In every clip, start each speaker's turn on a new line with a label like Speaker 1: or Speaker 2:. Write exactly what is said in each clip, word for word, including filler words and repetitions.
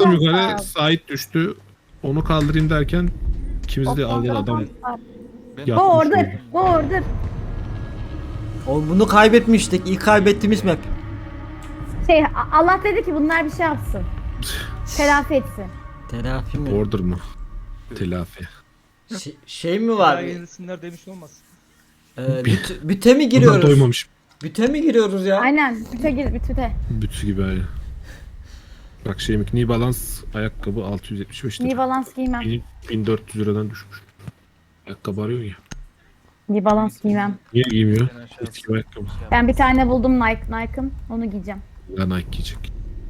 Speaker 1: Çıktım
Speaker 2: çok
Speaker 1: yukarı,
Speaker 2: sağ ol.
Speaker 1: Sait düştü. Onu kaldırayım derken ikimiz de
Speaker 2: O
Speaker 1: aldı adam.
Speaker 2: fotoğrafı-
Speaker 3: Ben
Speaker 2: Bu
Speaker 1: Yapmış
Speaker 2: order.
Speaker 1: oldu.
Speaker 2: Bu order.
Speaker 4: Oğlum bunu kaybetmiştik. İlk kaybettiğimiz map.
Speaker 2: Şey A- Allah dedi ki bunlar bir şey yapsın. Telafi etsin.
Speaker 4: Telafi mi?
Speaker 1: Order mı? Telafi.
Speaker 4: Şey, şey mi
Speaker 3: Daha
Speaker 4: var?
Speaker 3: yenilsinler demiş olmasın.
Speaker 4: Ee, büt, büte mi
Speaker 1: Bundan
Speaker 4: giriyoruz?
Speaker 1: doymamış.
Speaker 4: Büte mi giriyoruz ya?
Speaker 2: Aynen. Büte gir büte.
Speaker 1: Bütü gibi aynı. Bak şeyim New Balance ayakkabı altı yüz yetmiş beş
Speaker 2: New
Speaker 1: lira.
Speaker 2: Balance giymem.
Speaker 1: bin- bin dört yüz liradan düşmüş. Ayakkabı arıyor ya.
Speaker 2: New Balance giymem.
Speaker 1: Niye giymiyor?
Speaker 3: Ben aşağısı-
Speaker 1: Eski ayakkabı.
Speaker 2: Ben bir tane buldum Nike Nike'ın. Onu giyeceğim.
Speaker 1: Ya Nike giyecek.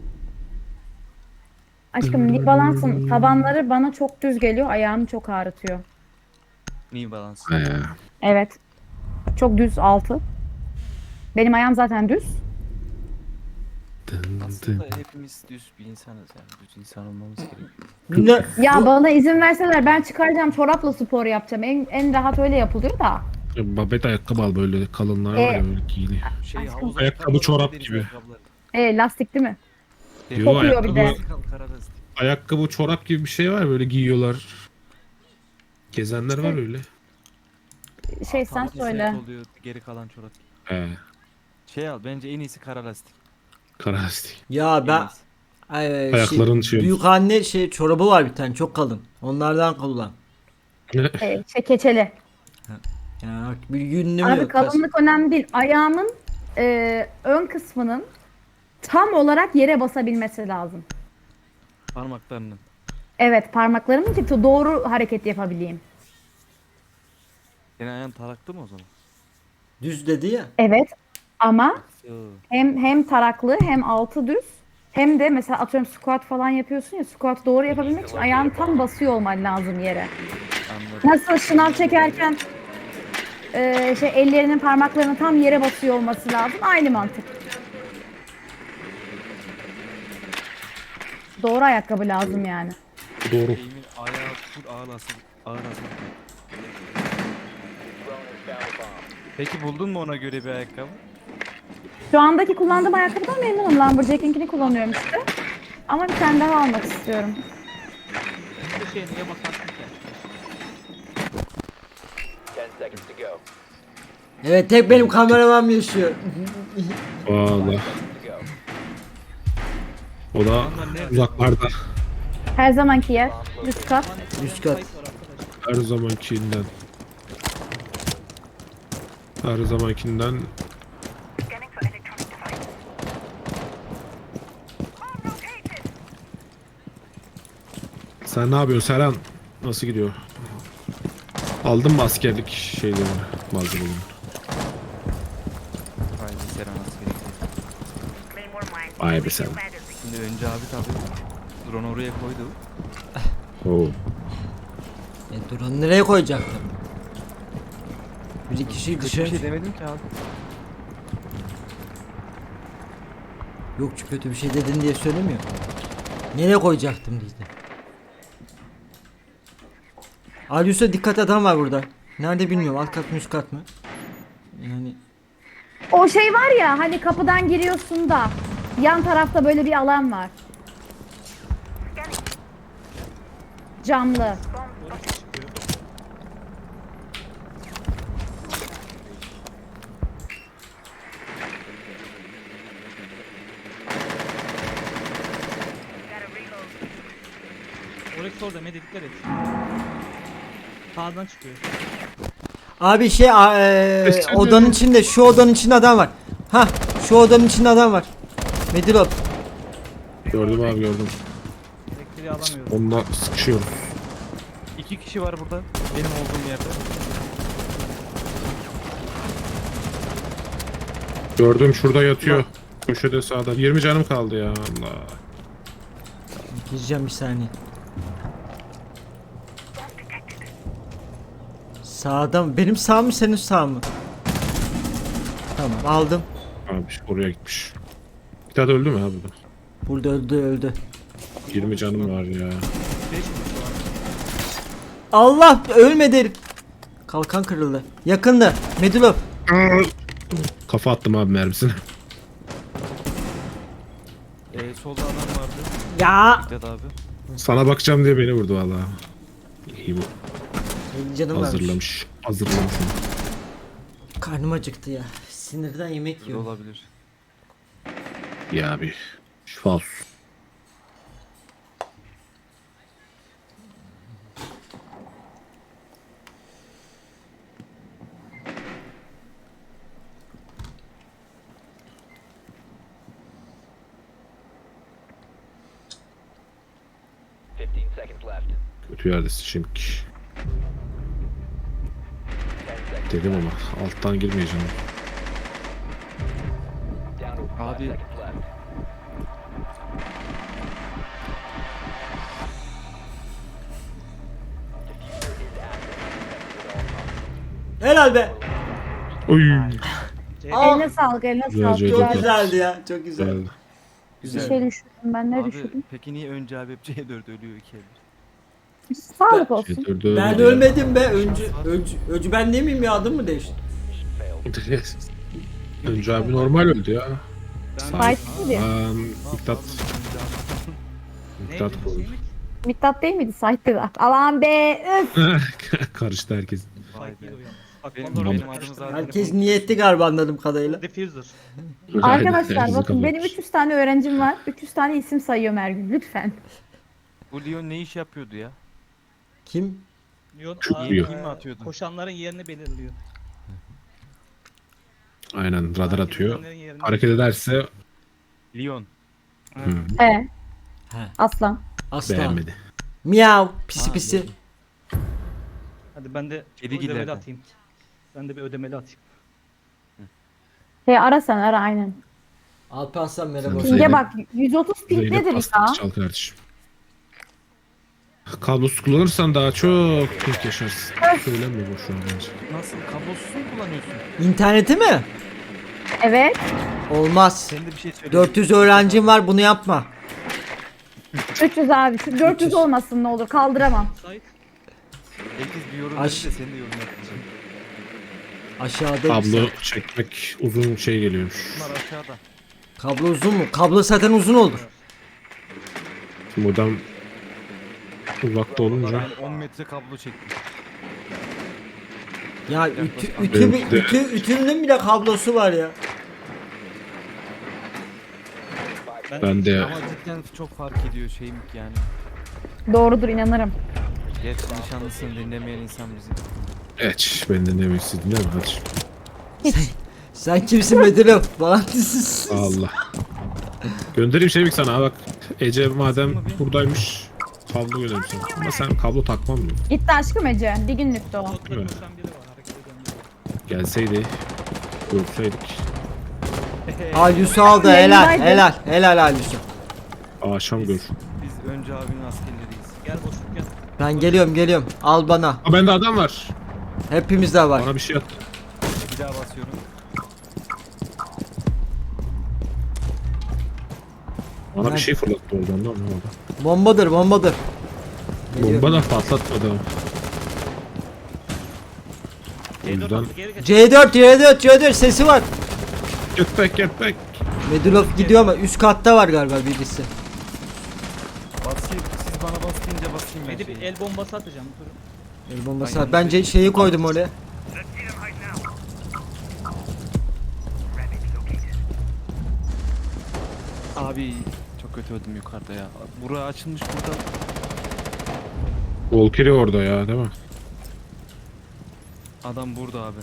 Speaker 2: Aşkım New Balance'ın tabanları bana çok düz geliyor. Ayağımı çok ağrıtıyor.
Speaker 3: New Balance.
Speaker 1: He.
Speaker 2: Evet. Çok düz altı. Benim ayağım zaten düz.
Speaker 1: Dın dın.
Speaker 3: Aslında hepimiz düz bir insanız yani. Düz insan olmamız gerekiyor.
Speaker 4: Ne?
Speaker 2: Ya
Speaker 4: Bu-
Speaker 2: bana izin verseler ben çıkaracağım çorapla spor yapacağım. En, en rahat öyle yapılıyor da.
Speaker 1: Babet ayakkabı al böyle kalınlar var
Speaker 2: E,
Speaker 1: ya böyle giyiliyor.
Speaker 3: Şey,
Speaker 2: Aşkım.
Speaker 3: havuz
Speaker 1: Ayakkabı,
Speaker 3: ayakkabıları,
Speaker 1: çorap
Speaker 3: deniz
Speaker 1: gibi.
Speaker 3: ayakkabıları.
Speaker 2: E lastik değil mi?
Speaker 1: Yo,
Speaker 2: Kokuyor bir de.
Speaker 1: ayakkabı,
Speaker 3: Kal- kara lastik.
Speaker 1: ayakkabı çorap gibi bir şey var böyle giyiyorlar. Gezenler var öyle.
Speaker 2: Şey sen
Speaker 3: Taban
Speaker 2: söyle.
Speaker 3: set oluyor, geri kalan çorap.
Speaker 1: He.
Speaker 3: Şey al bence en iyisi kara lastik.
Speaker 1: Kara lastik.
Speaker 4: Ya
Speaker 3: En
Speaker 4: ben
Speaker 3: iyisi.
Speaker 4: Ay,
Speaker 1: Ayakların şey-
Speaker 4: büyük anne şey çorabı var bir tane çok kalın. Onlardan kullan.
Speaker 2: E, şey keçeli.
Speaker 4: Yani artık bir yünlü mü
Speaker 2: Abi
Speaker 4: yok?
Speaker 2: kalınlık önemli değil. Ayağımın e, ön kısmının tam olarak yere basabilmesi lazım.
Speaker 3: Parmaklarının.
Speaker 2: Evet parmaklarımın ki doğru hareket yapabileyim.
Speaker 3: Senin ayağın taraklı mı o zaman?
Speaker 4: Düz dedi ya.
Speaker 2: Evet ama
Speaker 3: Yo.
Speaker 2: hem hem taraklı hem altı düz hem de mesela atıyorum squat falan yapıyorsun ya squat doğru yapabilmek için ayağın tam basıyor olman lazım yere.
Speaker 3: Anladım.
Speaker 2: Nasıl şınav çekerken e, şey ellerinin parmaklarının tam yere basıyor olması lazım. Aynı mantık. Doğru ayakkabı lazım yani.
Speaker 1: Doğru.
Speaker 3: Eğimin ayağı full ağır hasar. Ağır hasar. Peki buldun mu ona göre bir ayakkabı?
Speaker 2: Şu andaki kullandığım ayakkabıdan memnunum. Lumberjack'inkini kullanıyorum işte. Ama bir tane daha almak istiyorum.
Speaker 3: Bu şey niye bakarsın ki?
Speaker 4: Evet tek benim kameraman yaşıyor.
Speaker 1: Valla. O da uzaklarda.
Speaker 2: Her zamanki yer. Üst kat.
Speaker 4: Üst kat.
Speaker 1: Her zamankinden. Her zamankinden. Sen ne yapıyorsun Serhan? Nasıl gidiyor? Aldın mı askerlik şeylerini, malzemelerini?
Speaker 3: Haydi Seren nasıl gerekiyor?
Speaker 1: Vay be sen.
Speaker 3: Şimdi önce abi tabii drone oraya koydu.
Speaker 1: Oo.
Speaker 4: E, dur onu nereye koyacaktım? Bir kişi
Speaker 3: Kötü bir
Speaker 4: dışarı...
Speaker 3: şey demedim ki abi.
Speaker 4: Yok çünkü kötü bir şey dedin diye söylemiyor. Nereye koyacaktım dedi. Alyus'a dikkat adam var burada. Nerede bilmiyorum alt kat mı üst kat mı? Yani
Speaker 2: O şey var ya hani kapıdan giriyorsun da yan tarafta böyle bir alan var. Camlı.
Speaker 3: Orası orada Mede dikkat et. Sağdan çıkıyor.
Speaker 4: abi şey a- e, odanın içinde şu odanın içinde adam var. Ha şu odanın içinde adam var. Medilop.
Speaker 1: Gördüm abi gördüm.
Speaker 3: Elektriği alamıyorum.
Speaker 1: Onunla sıkışıyorum.
Speaker 3: İki kişi var burada. Benim olduğum yerde.
Speaker 1: Gördüm şurada yatıyor. Köşede sağda. yirmi canım kaldı ya Allah.
Speaker 4: Gireceğim bir saniye. Sağda mı? Benim sağ mı senin sağ mı? Tamam aldım.
Speaker 1: Abi oraya gitmiş. Bir tane öldü mü abi?
Speaker 4: Burada öldü öldü.
Speaker 1: yirmi canım var ya.
Speaker 3: Beş kişi var.
Speaker 4: Allah ölmedi herif. Kalkan kırıldı. Yakında. Medilop.
Speaker 1: Kafa attım abi mermisine.
Speaker 3: Ee, solda adam vardı.
Speaker 4: Ya.
Speaker 3: Dikkat abi.
Speaker 1: Sana bakacağım diye beni vurdu valla. İyi bu.
Speaker 4: Benim canım varmış.
Speaker 1: Hazırlamış. Hazırlamış.
Speaker 4: Karnım acıktı ya. Sinirden yemek
Speaker 3: Böyle
Speaker 4: yiyorum.
Speaker 3: olabilir.
Speaker 1: Ya abi. Şifa olsun.
Speaker 5: fifteen seconds left.
Speaker 1: Kötü yerdesin şimdi. Dedim ama alttan girmeyeceğim.
Speaker 5: Down to five
Speaker 3: Abi.
Speaker 5: seconds left.
Speaker 4: Helal be.
Speaker 1: Oy.
Speaker 4: Aa,
Speaker 2: Eline sağlık, eline
Speaker 1: Güzel,
Speaker 2: sağlık.
Speaker 1: güzel.
Speaker 4: çok
Speaker 2: Güzel.
Speaker 4: güzeldi ya. Çok güzel.
Speaker 1: Güzel.
Speaker 2: Bir
Speaker 4: Güzel.
Speaker 2: şey düşürdüm ben, ne
Speaker 3: Abi
Speaker 2: düşürdüm?
Speaker 3: peki niye önce abi hep C dört ölüyor iki eldir?
Speaker 2: Sağlık olsun.
Speaker 1: Şey, dördü
Speaker 4: Ben
Speaker 1: öldü.
Speaker 4: ölmedim be. Öncü, öncü, öncü ben değil miyim ya? Adım mı değişti?
Speaker 1: Önce abi normal öldü ya.
Speaker 2: Fight miydi?
Speaker 1: Aa, Miktat. Miktat oldu.
Speaker 2: Mittat değil miydi? Sahipti de. Aman be. Öf.
Speaker 1: Karıştı herkes.
Speaker 3: Vay be. Benim,
Speaker 1: Tamam.
Speaker 3: benim adım zaten.
Speaker 4: Herkes niyetli galiba anladığım kadarıyla.
Speaker 6: Diffuser.
Speaker 2: Arkadaşlar
Speaker 1: Herkes
Speaker 2: bakın benim
Speaker 1: kalır.
Speaker 2: üç yüz tane öğrencim var. üç yüz tane isim sayıyorum her gün. Lütfen.
Speaker 3: Bu Leon ne iş yapıyordu ya?
Speaker 4: Kim?
Speaker 6: Leon,
Speaker 1: Çok
Speaker 6: aa,
Speaker 1: iyi.
Speaker 6: eee,
Speaker 3: Kim mi atıyordu?
Speaker 6: Koşanların yerini belirliyor.
Speaker 1: Aynen radar atıyor.
Speaker 6: Koşanların yerini-
Speaker 1: Hareket ederse
Speaker 3: Leon.
Speaker 6: Ha.
Speaker 1: hı,
Speaker 2: E.
Speaker 4: He.
Speaker 2: Aslan.
Speaker 4: Aslan.
Speaker 1: beğenmedi.
Speaker 4: Miyav. Pisi
Speaker 3: Ha,
Speaker 4: pisi.
Speaker 3: iyi.
Speaker 6: Hadi ben de
Speaker 3: Kedi
Speaker 6: ödemeli
Speaker 3: giderdi.
Speaker 6: atayım. Ben de bir ödemeli atayım.
Speaker 2: He ara sen ara aynen.
Speaker 4: Alparslan merhaba.
Speaker 1: Sen
Speaker 4: hoş
Speaker 1: Zeynep-
Speaker 2: Ping'e
Speaker 4: geldin.
Speaker 2: bak yüz otuz ping
Speaker 1: Zeynep
Speaker 2: nedir
Speaker 1: pasta
Speaker 2: ya?
Speaker 1: çal kardeşim. Kablosuz kullanırsan daha çok pink yaşarsın. Söylemiyor boşuna bence.
Speaker 3: Nasıl? Kablosuz mu kullanıyorsun?
Speaker 4: İnterneti mi?
Speaker 2: Evet.
Speaker 4: Olmaz.
Speaker 3: Sen de bir şey söyle.
Speaker 4: dört yüz öğrencim var, bunu yapma.
Speaker 2: üç yüz abi. Şu dört yüz olmasın ne olur. Kaldıramam.
Speaker 6: Sait.
Speaker 3: Herkes bir yorum
Speaker 4: Aş-
Speaker 3: verirse sen de yorum yapacaksın.
Speaker 4: Aşağıda.
Speaker 1: Kablo çekmek uzun şey geliyormuş.
Speaker 3: Bunlar aşağıda.
Speaker 4: Kablo uzun mu? Kablo zaten uzun olur.
Speaker 1: Modem uzakta olunca
Speaker 3: Ben on metre kablo çektim.
Speaker 4: Ya ütü,
Speaker 3: Yaklaşık
Speaker 4: ütü,
Speaker 1: Evet, de-
Speaker 4: ütü, ütünün bile kablosu var ya.
Speaker 1: ben de
Speaker 3: Ama cidden çok fark ediyor şeyim yani.
Speaker 2: Doğrudur inanırım.
Speaker 3: Gerçi nişanlısını dinlemeyen insan bizi.
Speaker 1: geç beni dinlemesin değil mi? Hadi.
Speaker 2: Hiç.
Speaker 4: Sen kimsin Medelo? Bana
Speaker 1: Allah. Göndereyim şey sana bak. Ece madem buradaymış kablo göndereyim sana. Ama sen kablo takmam mı?
Speaker 2: Gitti aşkım Ece. Bir günlüktü o.
Speaker 6: Kodla
Speaker 1: Evet.
Speaker 6: koşan biri var. Hareket eden biri.
Speaker 1: Gelseydi görseydik.
Speaker 4: Alyus'u aldı, helal,
Speaker 2: Yayındaydı.
Speaker 4: helal, helal Alyus'u.
Speaker 1: Akşam gör.
Speaker 3: Biz önce abinin askerleriyiz.
Speaker 6: Gel boşluk gel.
Speaker 4: Ben geliyorum, geliyorum. Al bana.
Speaker 1: Aa bende adam var.
Speaker 4: Hepimizde var.
Speaker 1: Bana bir şey at.
Speaker 3: Bir daha basıyorum.
Speaker 1: Bana bir şey fırlattı oradan da anlamadım.
Speaker 4: Bombadır, bombadır. Geliyorum.
Speaker 1: Bomba da patlatmadı. O
Speaker 6: Geri
Speaker 1: yüzden
Speaker 6: geri geç.
Speaker 4: C dört, C dört, C dört sesi var.
Speaker 1: get back get back.
Speaker 4: Medulov gidiyor ama üst katta var galiba birisi.
Speaker 3: Basayım. Siz bana bas deyince basayım ben
Speaker 6: Medi bir
Speaker 3: şeyi.
Speaker 6: el bombası atacağım. Durun.
Speaker 4: El bombası
Speaker 3: Aynen.
Speaker 4: var. Bence şeyi koydum oraya.
Speaker 3: Abi çok kötü öldüm yukarıda ya. Bura açılmış burada.
Speaker 1: Volkeri orada ya değil mi?
Speaker 3: Adam burada abi.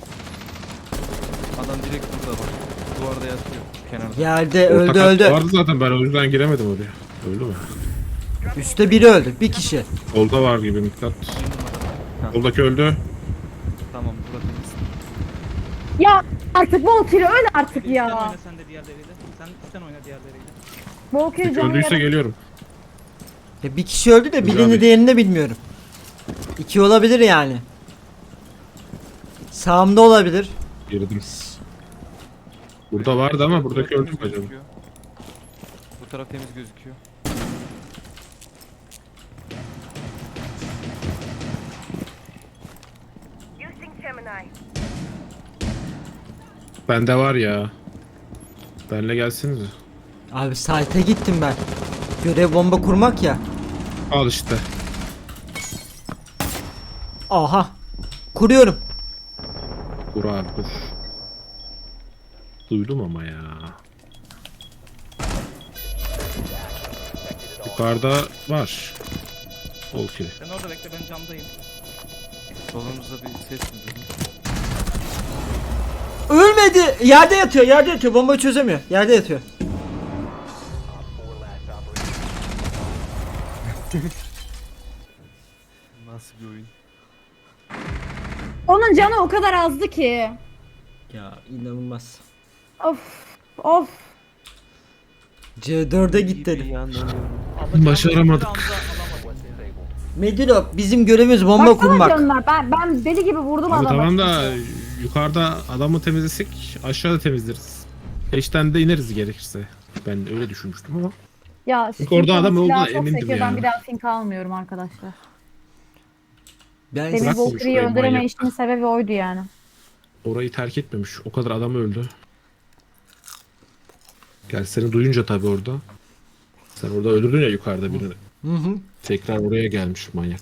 Speaker 3: Adam direkt burada bak. Duvarda yatıyor kenarda.
Speaker 4: Geldi,
Speaker 1: Orta
Speaker 4: öldü
Speaker 1: kat
Speaker 4: öldü.
Speaker 1: Vardı zaten ben o yüzden giremedim oraya. Öldü mü?
Speaker 4: Üstte biri öldü. Bir kişi.
Speaker 1: Solda var gibi Miktat.
Speaker 3: Ha.
Speaker 1: Soldaki öldü.
Speaker 3: Tamam burada temiz.
Speaker 2: Ya artık Volker'i öl artık
Speaker 6: Üstten
Speaker 2: ya.
Speaker 6: oyna sen de diğerleriyle. Sen üstten oyna diğerleriyle.
Speaker 2: Volker'i canı
Speaker 1: Öldüyse
Speaker 2: yara-
Speaker 1: geliyorum.
Speaker 4: Ya bir kişi öldü de
Speaker 1: Güzel
Speaker 4: birini
Speaker 1: abi.
Speaker 4: diğerini de bilmiyorum. İki olabilir yani. Sağımda olabilir.
Speaker 1: Girdim. Burada vardı ama
Speaker 3: Bu
Speaker 1: buradaki
Speaker 3: taraf
Speaker 1: öldü mü
Speaker 3: temiz
Speaker 1: acaba?
Speaker 3: gözüküyor. Bu taraf temiz gözüküyor.
Speaker 1: Bende var ya. Benle gelsiniz.
Speaker 4: Abi site'e gittim ben. Görev bomba kurmak ya.
Speaker 1: Al işte.
Speaker 4: Aha. Kuruyorum.
Speaker 1: Dur abi dur. Duydum ama ya. Yukarıda var. Okey.
Speaker 6: Sen orada bekle, ben camdayım.
Speaker 3: Solumuzda bir ses mi duydun?
Speaker 4: Ölmedi. Yerde yatıyor, yerde yatıyor. Bombayı çözemiyor. Yerde yatıyor.
Speaker 3: Nasıl bir oyun?
Speaker 2: Onun canı o kadar azdı ki.
Speaker 4: Ya inanılmaz.
Speaker 2: Of of.
Speaker 4: C dörde git
Speaker 3: Bir
Speaker 4: dedi.
Speaker 3: yandan
Speaker 1: Başaramadık.
Speaker 4: Medilo bizim görevimiz bomba
Speaker 2: Baksana
Speaker 4: kurmak.
Speaker 2: canlar, ben, ben deli gibi vurdum
Speaker 1: Abi
Speaker 2: adamı.
Speaker 1: tamam da yukarıda adamı temizlesek aşağıda temizleriz. Eşten de ineriz gerekirse. Ben öyle düşünmüştüm ama.
Speaker 2: Ya
Speaker 1: Çünkü orada adam
Speaker 2: silahı
Speaker 1: olduğuna
Speaker 2: çok
Speaker 1: emindim
Speaker 2: sekiyor,
Speaker 1: ya.
Speaker 2: Ben bir daha fink almıyorum arkadaşlar.
Speaker 4: Ben
Speaker 2: Demin
Speaker 1: Bırak
Speaker 2: Valkyrie'yi
Speaker 1: konuşmayı,
Speaker 2: öldüreme
Speaker 1: manyak.
Speaker 2: işinin sebebi oydu yani.
Speaker 1: Orayı terk etmemiş. O kadar adam öldü. Gel seni duyunca tabii orada. Sen orada öldürdün ya yukarıda birini.
Speaker 4: Hı hı.
Speaker 1: Tekrar oraya gelmiş manyak.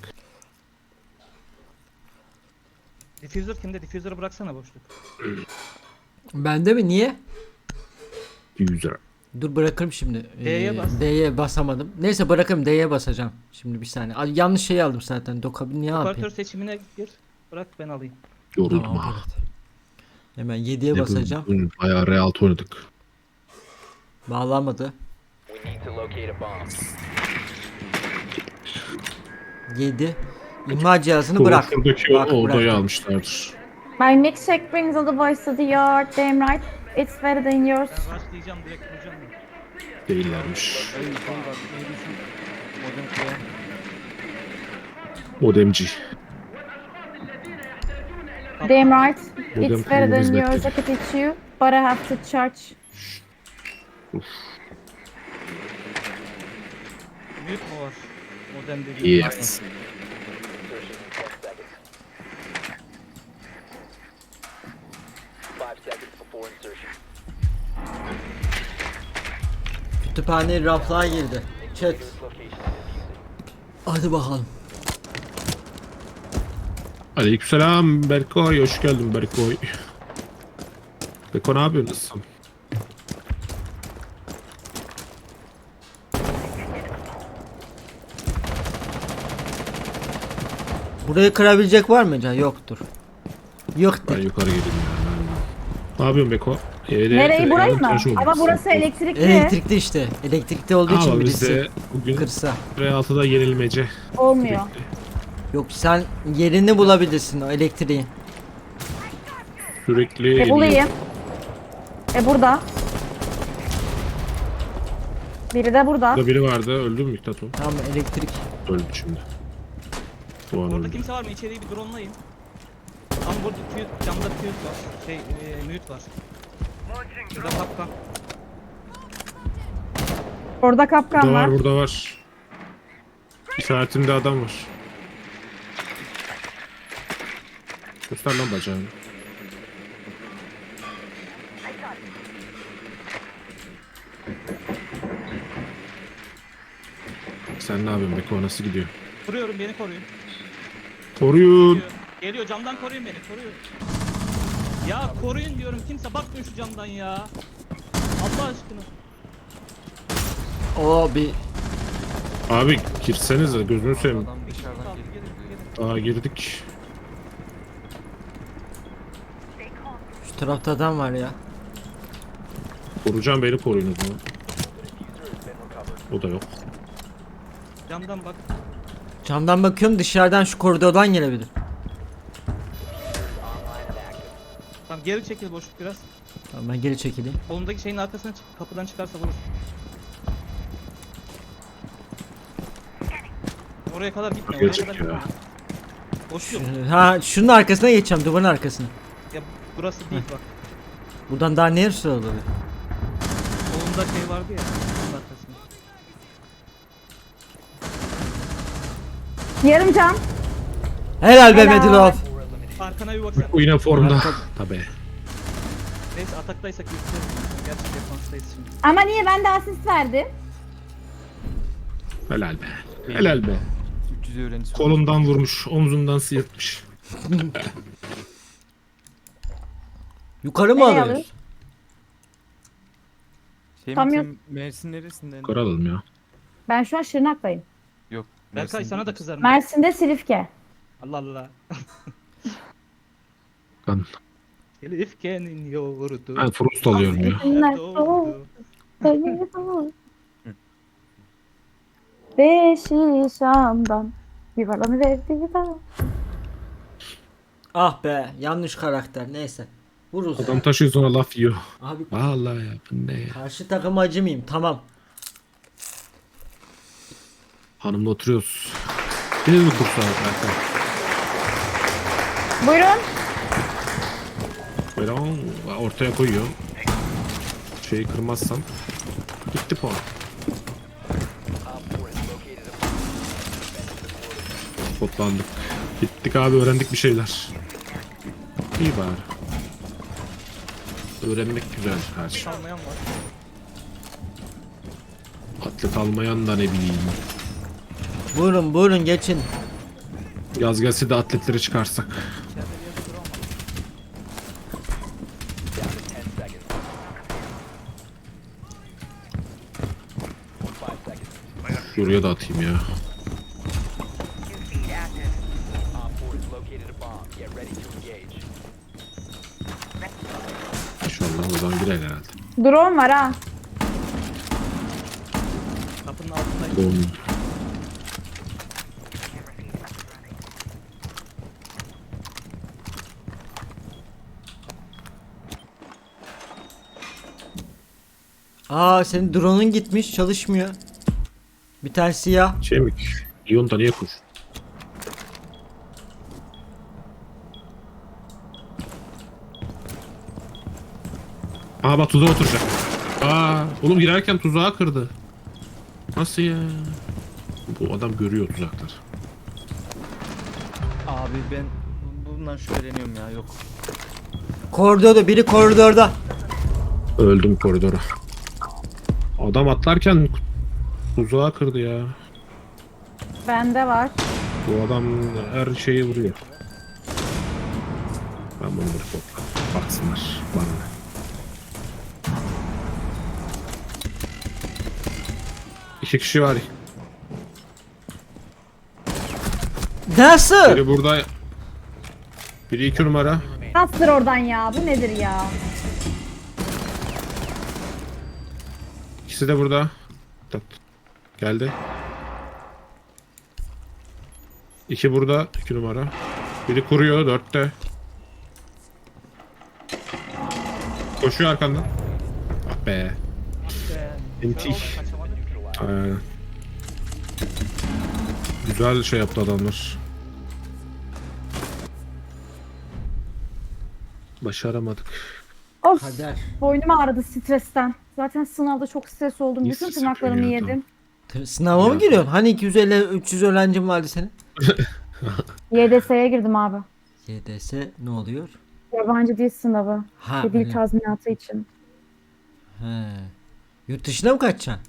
Speaker 6: Diffuser kimde? Diffuser'ı bıraksana boşluk.
Speaker 4: Bende mi? Niye?
Speaker 1: User.
Speaker 4: Dur bırakırım şimdi.
Speaker 6: D'ye bas.
Speaker 4: D'ye basamadım. Neyse bırakırım, D'ye basacağım. Şimdi bir saniye. Ay, yanlış şeyi aldım zaten. Dokabin niye
Speaker 6: Operatör
Speaker 4: yapayım?
Speaker 6: seçimine gir. Bırak ben alayım.
Speaker 1: Yoruldum
Speaker 4: Tamam,
Speaker 1: ha.
Speaker 4: evet. Hemen yediye
Speaker 1: Ne bu-
Speaker 4: basacağım.
Speaker 1: bugün Bayağı real oynadık.
Speaker 4: Bağlamadı.
Speaker 5: We need to locate a bomb.
Speaker 4: yedi. İmha cihazını bırak.
Speaker 1: Şuradaki
Speaker 4: Bak,
Speaker 1: o odayı
Speaker 4: bıraktım.
Speaker 1: almışlardır.
Speaker 2: My milkshake brings all the boys to the yard. Damn right. It's better than yours.
Speaker 6: Ben rushlayacağım, direkt vuracağım da.
Speaker 1: Değillermiş.
Speaker 3: Ay şey bak neydi şu modem koyan.
Speaker 1: Modemci.
Speaker 2: Damn right.
Speaker 1: Modem
Speaker 2: It's better
Speaker 1: kurmamız
Speaker 2: than yours. I
Speaker 1: bekliyor.
Speaker 2: could teach you. But I have to charge.
Speaker 6: Mute mu var? Modem dediğim.
Speaker 1: Yes.
Speaker 5: Insertion in ten seconds. Five seconds before insertion.
Speaker 4: Kütüphaneye raflığa girdi. Chat.
Speaker 5: This location is defusing.
Speaker 4: Hadi bakalım.
Speaker 1: Aleykümselam Berkoy. Hoş geldin Berkoy. Beko ne yapıyorsun?
Speaker 4: Burayı kırabilecek var mı Can? Yoktur. Yoktur.
Speaker 1: Ben yukarı geleyim ya. Ne yapıyorsun Beko? Evde
Speaker 2: Nereyi, burayı mı?
Speaker 1: tıraş
Speaker 2: Ama
Speaker 1: olmuşsun.
Speaker 2: burası elektrikli.
Speaker 4: Elektrikli işte. Elektrikli olduğu için
Speaker 1: Ama
Speaker 4: birisi
Speaker 1: bizde bugün
Speaker 4: kırsa.
Speaker 1: R altıda yenilmece.
Speaker 2: Olmuyor.
Speaker 4: Yok sen yerini bulabilirsin o elektriğin.
Speaker 1: Sürekli
Speaker 2: E
Speaker 1: yeniliyor.
Speaker 2: bulayım. E burada. Biri de burada.
Speaker 1: Burada biri vardı. Öldü mü Miktat o?
Speaker 4: Tamam elektrik.
Speaker 1: Öldü şimdi. Bu an
Speaker 6: Orada
Speaker 1: öldü.
Speaker 6: kimse var mı? İçeriği bir drone'layın. Tam burada fuse, camda fuse var. Şey, e, mute var. Burada kapkan.
Speaker 2: Orada kapkan
Speaker 1: Burada
Speaker 2: var.
Speaker 1: var burada var. İşaretimde adam var. Göster lan bacağını. Sen ne yapıyorsun Beko? Nasıl gidiyor?
Speaker 6: Vuruyorum, beni koruyun.
Speaker 1: Koruyun.
Speaker 6: Geliyor, geliyor, camdan koruyun beni, koruyun. Ya koruyun diyorum, kimse bakmıyor şu camdan ya. Allah aşkına.
Speaker 4: O bir
Speaker 1: Abi girsenize gözünü seveyim.
Speaker 3: Adam dışarıdan
Speaker 6: Tamam,
Speaker 3: gelip
Speaker 6: gelin,
Speaker 3: duruyor.
Speaker 6: gelin.
Speaker 1: Aa girdik.
Speaker 4: şu tarafta adam var ya.
Speaker 1: Koruyacağım beni koruyun o zaman. O da yok.
Speaker 6: Camdan bak.
Speaker 4: Camdan bakıyorum dışarıdan şu koridordan gelebilir.
Speaker 6: Tamam, geri çekil boşluk biraz.
Speaker 4: Tamam ben geri çekileyim.
Speaker 6: Kolundaki şeyin arkasına çık, kapıdan çıkarsa vurur. Oraya kadar gitme, oraya
Speaker 1: Gelecek
Speaker 6: kadar
Speaker 1: ya.
Speaker 6: gitme. Boş yok.
Speaker 4: Şu- Ha şunun arkasına geçeceğim, duvarın arkasına.
Speaker 6: Ya burası değil bak.
Speaker 4: Buradan daha neresi olabilir?
Speaker 6: Kolunda şey vardı ya, bunun arkasında.
Speaker 2: Yarım can.
Speaker 4: Helal be
Speaker 2: Helal.
Speaker 4: Medilov.
Speaker 6: Arkana bir baksana.
Speaker 1: O yine formda.
Speaker 4: Arka-
Speaker 1: Tabii.
Speaker 6: Neyse ataktaysak yükselir. Gerçi defanstayız şimdi.
Speaker 2: Ama niye ben de asist verdim?
Speaker 1: Helal be. Helal be.
Speaker 3: üç yüz öğrencisi.
Speaker 1: Kolundan vurmuş, omzundan sıyırtmış.
Speaker 4: Yukarı mı
Speaker 2: Nereye
Speaker 4: alıyoruz?
Speaker 2: alıyoruz?
Speaker 3: Şey
Speaker 2: Tam
Speaker 3: mi
Speaker 2: yok.
Speaker 3: sen Mersin neresinden?
Speaker 1: Yukarı alalım ya.
Speaker 2: Ben şu an Şırnak'tayım.
Speaker 3: Yok.
Speaker 6: Berkay
Speaker 3: Mersin
Speaker 6: sana da
Speaker 3: değil.
Speaker 6: kızarım.
Speaker 2: Mersin'de Silifke.
Speaker 6: Allah Allah.
Speaker 1: Ben,
Speaker 6: Elifke'nin yoğurdu.
Speaker 1: ben Frost alıyorum ya.
Speaker 2: Günler
Speaker 6: Doğdu.
Speaker 2: soğuk. Beşi Şam'dan yuvarlanı verdi da.
Speaker 4: Ah be, yanlış karakter. Neyse. Vururuz.
Speaker 1: Adam taşıyor sonra laf yiyor.
Speaker 4: Abi
Speaker 1: Vallahi ya bu ne ya.
Speaker 4: karşı takım acımayayım. Tamam.
Speaker 1: Hanımla oturuyoruz. Biz mi kursa Berkay?
Speaker 2: Buyurun.
Speaker 1: Böyle on- ortaya koyuyor. Şeyi kırmazsam gitti puan. Spotlandık. Gittik abi, öğrendik bir şeyler. İyi bari. Öğrenmek güzel her şey.
Speaker 6: Kalmayan var.
Speaker 1: Atlet almayan da ne bileyim.
Speaker 4: Buyurun buyurun geçin.
Speaker 1: Yaz gelse de atletleri çıkarsak. Şuraya da atayım ya.
Speaker 5: Op four has located a bomb. Get ready to engage.
Speaker 1: İnşallah oradan girer herhalde.
Speaker 2: Drone var ha.
Speaker 6: Kapının altındayım.
Speaker 1: Doğum.
Speaker 4: Aa senin drone'un gitmiş, çalışmıyor. Bir tane siyah.
Speaker 1: Şey mi? Lyon'da niye kur? Aa bak tuzağa oturacak. Aa oğlum girerken tuzağı kırdı. Nasıl ya? Bu adam görüyor tuzakları.
Speaker 3: Abi ben bundan şüpheleniyorum ya yok.
Speaker 4: Koridorda, biri koridorda.
Speaker 1: Öldüm koridora. Adam atlarken tuzağı kırdı ya.
Speaker 2: Bende var.
Speaker 1: Bu adam her şeyi vuruyor. Ben bunu bir topla. Baksınlar bana. ne. İki kişi var.
Speaker 4: Nasıl?
Speaker 1: Biri burada. Biri iki numara.
Speaker 2: Bastır oradan ya. Bu nedir ya?
Speaker 1: İkisi de burada. Tat. Geldi. İki burada. İki numara. Biri kuruyor. Dörtte. Koşuyor arkandan. Ah be. Entih. Aynen. Güzel şey yaptı adamlar. Başaramadık.
Speaker 2: Of.
Speaker 4: Kader.
Speaker 2: Boynum ağrıdı stresten. Zaten sınavda çok stres oldum.
Speaker 1: Niye
Speaker 2: Bütün
Speaker 1: stres
Speaker 2: tırnaklarımı
Speaker 1: yapıyorsun ya?
Speaker 2: yedim.
Speaker 4: T- Sınava mı
Speaker 1: Ya.
Speaker 4: giriyorsun? Hani iki yüz elli üç yüz öğrencin vardı senin?
Speaker 2: Y D S'ye girdim abi.
Speaker 4: Y D S ne oluyor?
Speaker 2: Yabancı dil sınavı.
Speaker 4: Ha.
Speaker 2: Ve dil
Speaker 4: öyle.
Speaker 2: tazminatı için.
Speaker 4: He. Yurt dışına mı kaçacaksın?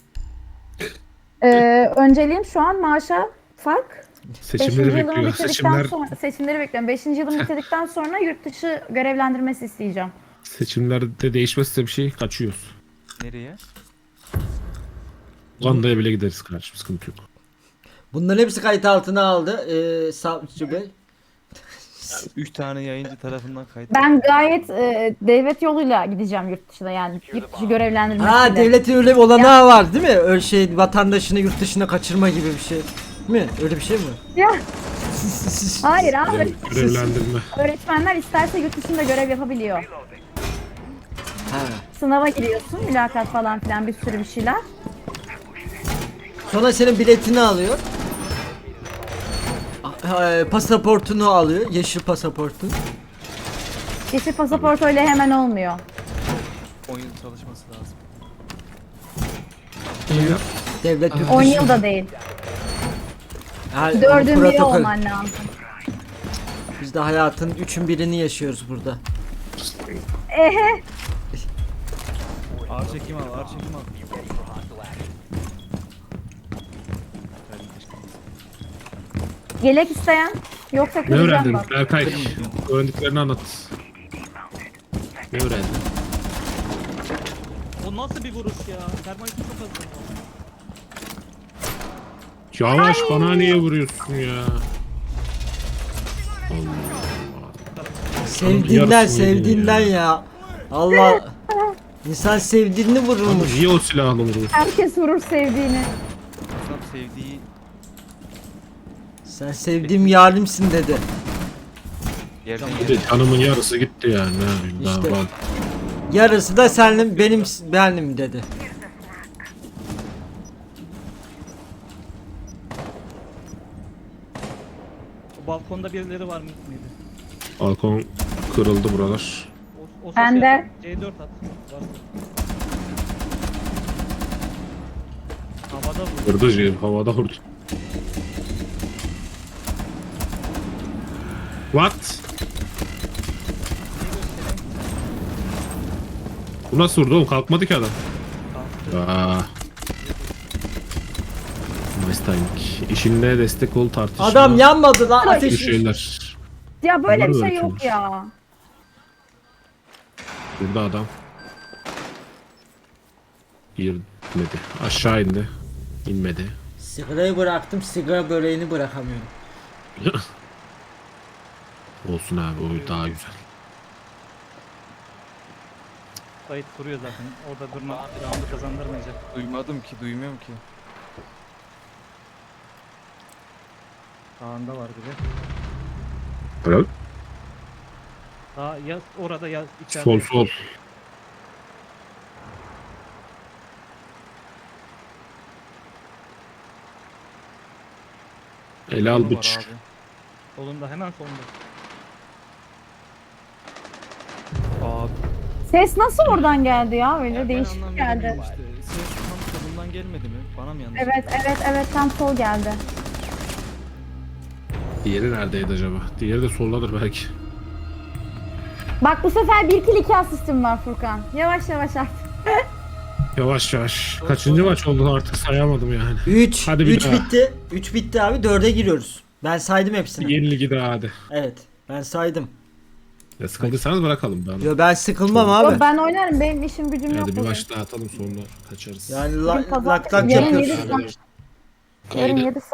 Speaker 2: Ee, önceliğim şu an maaşa fark.
Speaker 1: Seçimleri
Speaker 2: Beşinci yılımı
Speaker 1: bekliyor.
Speaker 2: bitirdikten
Speaker 1: Seçimler
Speaker 2: sonra seçimleri bekliyorum. Beşinci yılımı bitirdikten sonra yurt dışı görevlendirmesi isteyeceğim.
Speaker 1: seçimlerde değişmezse bir şey kaçıyoruz.
Speaker 3: Nereye?
Speaker 1: Uganda'ya bile gideriz kardeşim, sıkıntı yok.
Speaker 4: Bunların hepsi kayıt altına aldı. Ee, Savcı Bey.
Speaker 3: Üç tane yayıncı tarafından kayıt.
Speaker 2: Ben gayet e, devlet yoluyla gideceğim yurt dışına, yani yurt dışı görevlendirmesiyle.
Speaker 4: Ha devletin öyle bir olanağı var değil mi? Öyle şey vatandaşını yurt dışına kaçırma gibi bir şey. Değil mi? Öyle bir şey mi?
Speaker 2: Ya, hayır abi.
Speaker 1: Görev- Görevlendirme.
Speaker 2: Öğretmenler isterse yurt dışında görev yapabiliyor.
Speaker 4: Ha.
Speaker 2: Sınava giriyorsun, mülakat falan filan bir sürü bir şeyler.
Speaker 4: Sonra senin biletini alıyor. Ah, e, Pasaportunu alıyor. Yeşil pasaportun.
Speaker 2: Yeşil pasaport öyle hemen olmuyor.
Speaker 3: on yıl çalışması lazım.
Speaker 4: Devlet yurt
Speaker 2: on
Speaker 4: dışı-
Speaker 2: yılda değil.
Speaker 4: Ha, onun
Speaker 2: Dördün biri
Speaker 4: protokol.
Speaker 2: olman lazım.
Speaker 4: Biz de hayatın üçün birini yaşıyoruz burada.
Speaker 2: Ehe.
Speaker 3: Ağır çekim al, ağır çekim al.
Speaker 2: Yelek isteyen yoksa
Speaker 1: Ne
Speaker 2: kıracağım
Speaker 1: öğrendin
Speaker 2: bak.
Speaker 1: Berkay? Öğrendiklerini anlat. Ne öğrendin?
Speaker 6: O nasıl bir vuruş ya? Termalite çok az.
Speaker 1: Yavaş bana niye vuruyorsun ya? Allah.
Speaker 4: Sevdiğinden
Speaker 1: Yarısını yedin
Speaker 4: sevdiğinden
Speaker 1: ya.
Speaker 4: ya. Allah. İnsan sevdiğini
Speaker 1: Abi
Speaker 4: vururmuş.
Speaker 1: niye o silahla vuruyorsun?
Speaker 2: Herkes vurur sevdiğini.
Speaker 3: Adam sevdiği
Speaker 4: Sen sevdiğim yarimsin dedi.
Speaker 3: yerden
Speaker 1: Bir de
Speaker 3: yere.
Speaker 1: canımın yarısı gitti yani. Ne yapayım daha
Speaker 4: İşte.
Speaker 1: ben.
Speaker 4: Yarısı da senin benim benim dedi.
Speaker 6: O balkonda birileri var mı mıydı?
Speaker 1: Balkon kırıldı buralar.
Speaker 6: O, o
Speaker 2: Ben
Speaker 6: sesi
Speaker 2: de.
Speaker 6: yap. C dört at. Varsa. Havada vur.
Speaker 1: Kırdı şey, havada vurdu. What? Bu nasıl vurdu oğlum? Kalkmadı ki adam. Aa. Nice timing. İşinde destek ol tartışma.
Speaker 4: Adam yanmadı lan
Speaker 1: Bu
Speaker 4: ateş.
Speaker 1: şeyler.
Speaker 2: Ya böyle
Speaker 1: Bunlar
Speaker 2: bir şey yok
Speaker 1: öğretiyormuş.
Speaker 2: ya.
Speaker 1: Burada adam. İnmedi. Aşağı indi. İnmedi.
Speaker 4: Sigarayı bıraktım, sigara böreğini bırakamıyorum.
Speaker 1: Olsun abi o daha güzel.
Speaker 6: Kayıt kuruyor zaten. Orada durma roundu kazandırmayacak.
Speaker 3: Duymadım ki, duymuyorum ki.
Speaker 6: Sağında var biri.
Speaker 1: Helal.
Speaker 6: Daha ya orada ya içeride.
Speaker 1: Sol sol. Ele al
Speaker 3: Solu var
Speaker 1: bıç.
Speaker 3: abi.
Speaker 6: Solunda hemen solunda.
Speaker 3: Abi.
Speaker 2: Ses nasıl oradan geldi ya? Öyle
Speaker 3: ben
Speaker 2: değişik
Speaker 3: anlam
Speaker 2: geldi.
Speaker 3: veremiyorum işte. Ses tam solundan gelmedi mi? Bana mı yanlış?
Speaker 2: Evet evet evet tam sol geldi.
Speaker 1: Diğeri neredeydi acaba? Diğeri de soldadır belki.
Speaker 2: Bak bu sefer bir kill iki asistim var Furkan. Yavaş yavaş artık.
Speaker 1: Yavaş yavaş. Kaçıncı maç oldu artık sayamadım yani.
Speaker 4: üç.
Speaker 1: Hadi bir
Speaker 4: üç
Speaker 1: daha.
Speaker 4: bitti. üç bitti abi. dörde giriyoruz. Ben saydım hepsini.
Speaker 1: Yeni ligi daha hadi.
Speaker 4: Evet. Ben saydım.
Speaker 1: Ya sıkıldıysanız bırakalım ben.
Speaker 4: Yo ben sıkılmam
Speaker 2: Yo,
Speaker 4: abi.
Speaker 2: ben oynarım. Benim işim gücüm yok.
Speaker 1: Hadi bir
Speaker 2: bugün.
Speaker 1: maç daha atalım sonra kaçarız.
Speaker 4: Yani
Speaker 2: Bugün
Speaker 4: la-
Speaker 2: pazar-
Speaker 4: lak lak
Speaker 2: yarın
Speaker 4: yapıyoruz.
Speaker 2: yedi saat-
Speaker 1: Kaydı-
Speaker 2: Yarın yedi